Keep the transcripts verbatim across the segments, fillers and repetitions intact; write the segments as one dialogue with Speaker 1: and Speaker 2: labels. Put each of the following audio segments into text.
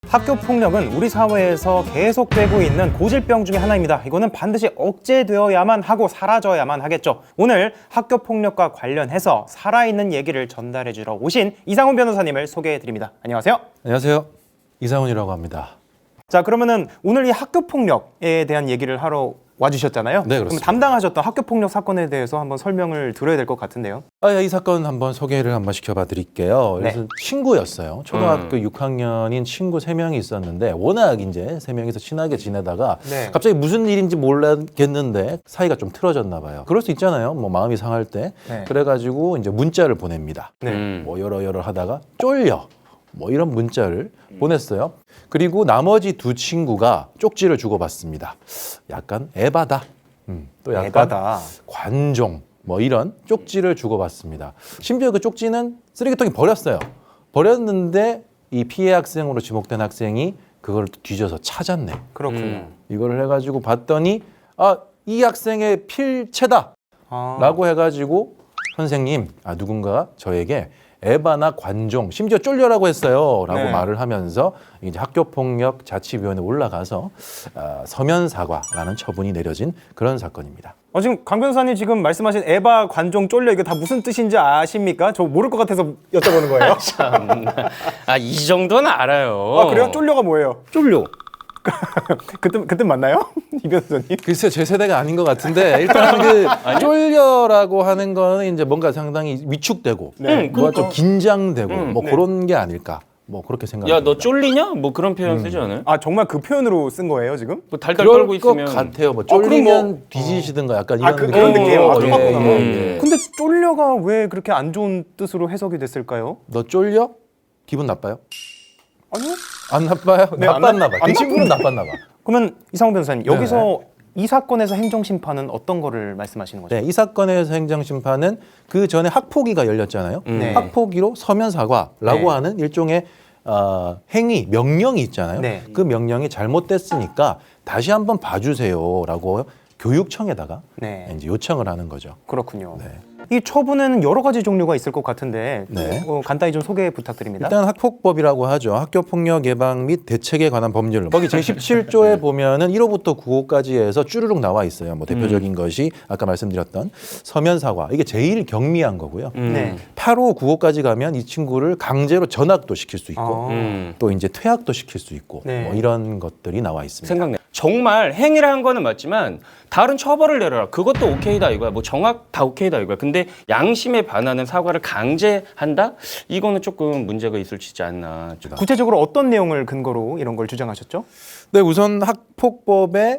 Speaker 1: 학교 폭력은 우리 사회에서 계속되고 있는 고질병 중에 하나입니다. 이거는 반드시 억제되어야만 하고 사라져야만 하겠죠. 오늘 학교 폭력과 관련해서 살아있는 얘기를 전달해 주러 오신 이상훈 변호사님을 소개해 드립니다. 안녕하세요.
Speaker 2: 안녕하세요. 이상훈이라고 합니다.
Speaker 1: 자, 그러면은 오늘 이 학교 폭력에 대한 얘기를 하러 와주셨잖아요.
Speaker 2: 네,
Speaker 1: 그럼
Speaker 2: 그렇습니다.
Speaker 1: 담당하셨던 학교 폭력 사건에 대해서 한번 설명을 들어야 될 것 같은데요.
Speaker 2: 아, 이 사건 한번 소개를 한번 시켜봐 드릴게요.
Speaker 1: 네.
Speaker 2: 그래서 친구였어요. 초등학교
Speaker 3: 음.
Speaker 2: 육 학년인 친구 세 명이 있었는데 워낙 이제 세 명이서 친하게 지내다가
Speaker 1: 네.
Speaker 2: 갑자기 무슨 일인지 몰랐겠는데 사이가 좀 틀어졌나 봐요. 그럴 수 있잖아요. 뭐 마음이 상할 때.
Speaker 1: 네.
Speaker 2: 그래가지고 이제 문자를 보냅니다.
Speaker 1: 네.
Speaker 3: 음.
Speaker 2: 뭐 여러 여러 하다가 쫄려. 뭐 이런 문자를 보냈어요. 그리고 나머지 두 친구가 쪽지를 주고받습니다. 약간 에바다. 음, 또 약간
Speaker 1: 에바다.
Speaker 2: 관종 뭐 이런 쪽지를 주고받습니다. 심지어 그 쪽지는 쓰레기통에 버렸어요. 버렸는데 이 피해 학생으로 지목된 학생이 그걸 뒤져서 찾았네.
Speaker 1: 그렇군요.
Speaker 3: 음.
Speaker 2: 이거를 해가지고 봤더니 아, 이 학생의 필체다
Speaker 1: 아.
Speaker 2: 라고 해가지고 선생님, 아, 누군가 저에게 에바나 관종, 심지어 쫄려라고 했어요 라고
Speaker 1: 네.
Speaker 2: 말을 하면서 이제 학교폭력 자치위원회에 올라가서 어, 서면 사과라는 처분이 내려진 그런 사건입니다.
Speaker 1: 어, 지금 강 변호사님 지금 말씀하신 에바, 관종, 쫄려 이게 다 무슨 뜻인지 아십니까? 저 모를 것 같아서 여쭤보는 거예요.
Speaker 3: 아, 이 정도는 알아요.
Speaker 1: 아, 그래요? 쫄려가 뭐예요?
Speaker 3: 쫄려.
Speaker 1: 그때 그때 맞나요? 이 변호사님?
Speaker 2: 글쎄요, 제 세대가 아닌 것 같은데 일단 그 쫄려라고 하는 거는 이제 뭔가 상당히 위축되고
Speaker 1: 네.
Speaker 2: 뭔가 좀 긴장되고
Speaker 3: 음,
Speaker 2: 뭐
Speaker 1: 네.
Speaker 2: 그런 게 아닐까 뭐 그렇게 생각합니다.
Speaker 3: 야, 너 쫄리냐? 뭐 그런 표현 쓰지 않아요?
Speaker 1: 아, 정말 그 표현으로 쓴 거예요, 지금?
Speaker 3: 뭐 달달
Speaker 2: 그럴
Speaker 3: 떨고
Speaker 2: 것
Speaker 3: 있으면
Speaker 2: 같아요. 뭐
Speaker 1: 그럼
Speaker 2: 쫄리면
Speaker 1: 뭐-
Speaker 2: 뒤지시든가 약간
Speaker 1: 아,
Speaker 2: 이런
Speaker 1: 그-
Speaker 2: 느낌.
Speaker 1: 그런 느낌. 아,
Speaker 2: 어,
Speaker 1: 똑같구나.
Speaker 2: 예, 예, 예.
Speaker 1: 근데 쫄려가 왜 그렇게 안 좋은 뜻으로 해석이 됐을까요?
Speaker 2: 너 쫄려? 기분 나빠요?
Speaker 1: 아니요.
Speaker 2: 안 나빠요?
Speaker 1: 네, 안
Speaker 2: 나빴나
Speaker 1: 나-
Speaker 2: 봐.
Speaker 1: 안
Speaker 2: 그 친구는 나빴나 봐.
Speaker 1: 그러면 이상훈 변호사님,
Speaker 2: 네.
Speaker 1: 여기서 이 사건에서 행정심판은 어떤 거를 말씀하시는 거죠?
Speaker 2: 네, 이 사건에서 행정심판은 그 전에 학폭위가 열렸잖아요.
Speaker 1: 네.
Speaker 2: 학폭위로 서면 사과라고
Speaker 1: 네.
Speaker 2: 하는 일종의 어, 행위, 명령이 있잖아요.
Speaker 1: 네.
Speaker 2: 그 명령이 잘못됐으니까 다시 한번 봐주세요라고 교육청에다가
Speaker 1: 네.
Speaker 2: 이제 요청을 하는 거죠.
Speaker 1: 그렇군요.
Speaker 2: 네.
Speaker 1: 이 처분에는 여러 가지 종류가 있을 것 같은데
Speaker 2: 네.
Speaker 1: 어, 간단히 좀 소개 부탁드립니다.
Speaker 2: 일단 학폭법이라고 하죠. 학교폭력 예방 및 대책에 관한 법률. 거기 제십칠 조에 보면은 일 호부터 구 호까지 해서 쭈루룩 나와 있어요. 뭐 대표적인 것이 아까 말씀드렸던 서면 사과. 이게 제일 경미한 거고요.
Speaker 3: 음.
Speaker 1: 네.
Speaker 2: 팔 호, 구 호까지 가면 이 친구를 강제로 전학도 시킬 수 있고
Speaker 1: 아.
Speaker 3: 음.
Speaker 2: 또 이제 퇴학도 시킬 수 있고
Speaker 1: 네.
Speaker 2: 뭐 이런 것들이 나와 있습니다.
Speaker 3: 생각나. 정말 행위를 한 거는 맞지만 다른 처벌을 내려라. 그것도 오케이다 이거야. 뭐 정확 다 오케이다 이거야. 근데 양심에 반하는 사과를 강제한다? 이거는 조금 문제가 있을지 않나.
Speaker 1: 구체적으로 어떤 내용을 근거로 이런 걸 주장하셨죠?
Speaker 2: 네, 우선 학폭법에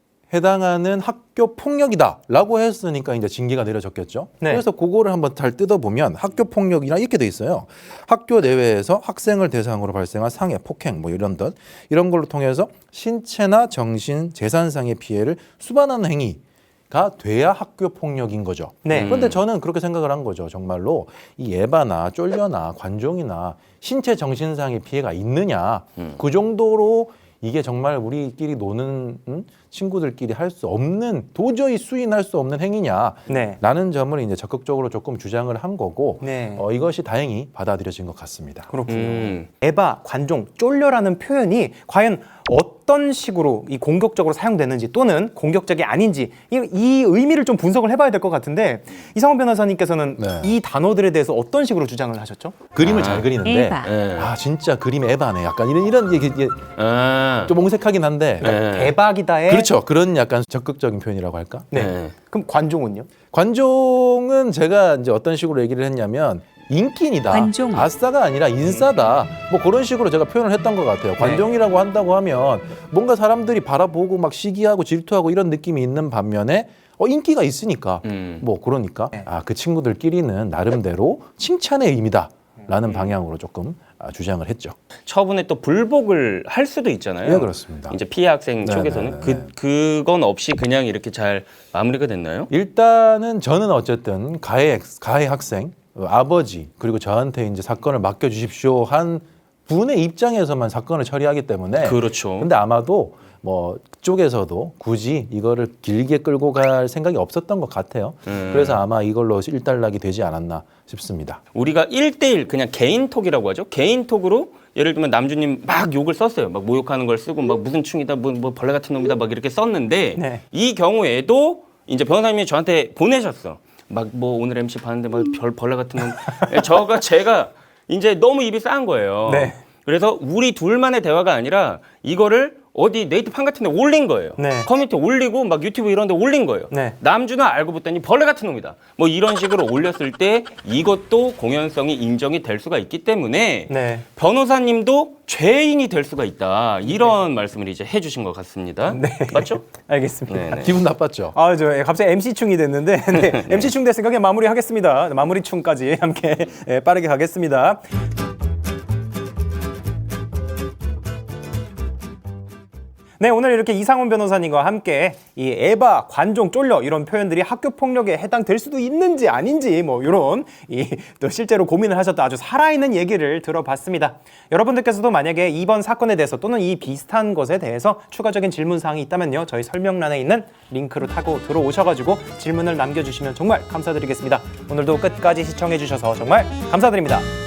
Speaker 2: 해당하는 학교 폭력이다라고 했으니까 이제 징계가 내려졌겠죠.
Speaker 1: 네.
Speaker 2: 그래서 그거를 한번 잘 뜯어보면 학교 폭력이랑 이렇게 돼 있어요. 학교 내외에서 학생을 대상으로 발생한 상해, 폭행 뭐 이런 것 이런 걸로 통해서 신체나 정신, 재산상의 피해를 수반하는 행위가 돼야 학교 폭력인 거죠.
Speaker 1: 네.
Speaker 2: 그런데 저는 그렇게 생각을 한 거죠. 정말로 이 에바나 쫄려나 관종이나 신체 정신상의 피해가 있느냐
Speaker 3: 음.
Speaker 2: 그 정도로 이게 정말 우리끼리 노는 음? 친구들끼리 할 수 없는 도저히 수인할 수 없는 행위냐
Speaker 1: 네.
Speaker 2: 라는 점을 이제 적극적으로 조금 주장을 한 거고
Speaker 1: 네.
Speaker 2: 어, 이것이 다행히 받아들여진 것 같습니다.
Speaker 1: 그렇군요.
Speaker 3: 음.
Speaker 1: 에바, 관종, 쫄려라는 표현이 과연 어떤 식으로 이 공격적으로 사용되는지 또는 공격적이 아닌지 이, 이 의미를 좀 분석을 해봐야 될 것 같은데 이상훈 변호사님께서는
Speaker 2: 네.
Speaker 1: 이 단어들에 대해서 어떤 식으로 주장을 하셨죠?
Speaker 2: 그림을
Speaker 3: 아.
Speaker 2: 잘 그리는데
Speaker 4: 에바.
Speaker 3: 예.
Speaker 2: 아 진짜 그림 에바네 약간 이런 이런 얘기 이게
Speaker 3: 아.
Speaker 2: 좀 옹색하긴 한데
Speaker 3: 예.
Speaker 1: 대박이다의
Speaker 2: 그렇죠. 그런 약간 적극적인 표현이라고 할까?
Speaker 1: 네.
Speaker 3: 예.
Speaker 1: 그럼 관종은요?
Speaker 2: 관종은 제가 이제 어떤 식으로 얘기를 했냐면 인기이다.
Speaker 4: 관종.
Speaker 2: 아싸가 아니라 인싸다. 뭐 그런 식으로 제가 표현을 했던 것 같아요. 관종이라고 한다고 하면 뭔가 사람들이 바라보고 막 시기하고 질투하고 이런 느낌이 있는 반면에 어, 인기가 있으니까
Speaker 3: 음.
Speaker 2: 뭐 그러니까
Speaker 1: 네.
Speaker 2: 아, 그 친구들끼리는 나름대로 칭찬의 의미다라는 방향으로 조금 아, 주장을 했죠.
Speaker 3: 처분에 또 불복을 할 수도 있잖아요.
Speaker 2: 예, 그렇습니다.
Speaker 3: 이제 피해 학생
Speaker 2: 네,
Speaker 3: 쪽에서는
Speaker 2: 네, 네,
Speaker 3: 그
Speaker 2: 네.
Speaker 3: 그건 없이 그냥 이렇게 잘 마무리가 됐나요?
Speaker 2: 일단은 저는 어쨌든 가해 가해 학생 어, 아버지 그리고 저한테 이제 사건을 맡겨 주십시오 한 군의 입장에서만 사건을 처리하기 때문에
Speaker 3: 그렇죠.
Speaker 2: 근데 아마도 뭐 그쪽에서도 굳이 이거를 길게 끌고 갈 생각이 없었던 것 같아요.
Speaker 3: 음.
Speaker 2: 그래서 아마 이걸로 일단락이 되지 않았나 싶습니다.
Speaker 3: 우리가 일대일 그냥 개인톡이라고 하죠. 개인톡으로 예를 들면 남주님 막 욕을 썼어요. 막 모욕하는 걸 쓰고 막 무슨 충이다, 뭐, 뭐 벌레 같은 놈이다 막 이렇게 썼는데
Speaker 1: 네.
Speaker 3: 이 경우에도 이제 변호사님이 저한테 보내셨어. 막 뭐 오늘 엠씨 봤는데 막 별 벌레 같은 놈. 저가 제가 이제 너무 입이 싼 거예요.
Speaker 1: 네.
Speaker 3: 그래서 우리 둘만의 대화가 아니라 이거를 어디 네이트판 같은 데 올린 거예요.
Speaker 1: 네.
Speaker 3: 커뮤니티에 올리고 막 유튜브 이런 데 올린 거예요.
Speaker 1: 네.
Speaker 3: 남주는 알고 봤더니 벌레 같은 놈이다. 뭐 이런 식으로 올렸을 때 이것도 공연성이 인정이 될 수가 있기 때문에
Speaker 1: 네.
Speaker 3: 변호사님도 죄인이 될 수가 있다. 이런 말씀을 이제 해주신 것 같습니다.
Speaker 1: 네.
Speaker 3: 맞죠?
Speaker 1: 알겠습니다.
Speaker 3: 네, 네.
Speaker 2: 기분 나빴죠?
Speaker 1: 아, 저 갑자기 엠씨충이 됐는데 네, 엠씨충 됐으니까 그냥 마무리하겠습니다. 마무리충까지 함께 예, 빠르게 가겠습니다. 네, 오늘 이렇게 이상훈 변호사님과 함께 이 에바, 관종, 쫄려 이런 표현들이 학교 폭력에 해당될 수도 있는지 아닌지 뭐 이런 이 또 실제로 고민을 하셨던 아주 살아있는 얘기를 들어봤습니다. 여러분들께서도 만약에 이번 사건에 대해서 또는 이 비슷한 것에 대해서 추가적인 질문 사항이 있다면요, 저희 설명란에 있는 링크로 타고 들어오셔가지고 질문을 남겨주시면 정말 감사드리겠습니다. 오늘도 끝까지 시청해주셔서 정말 감사드립니다.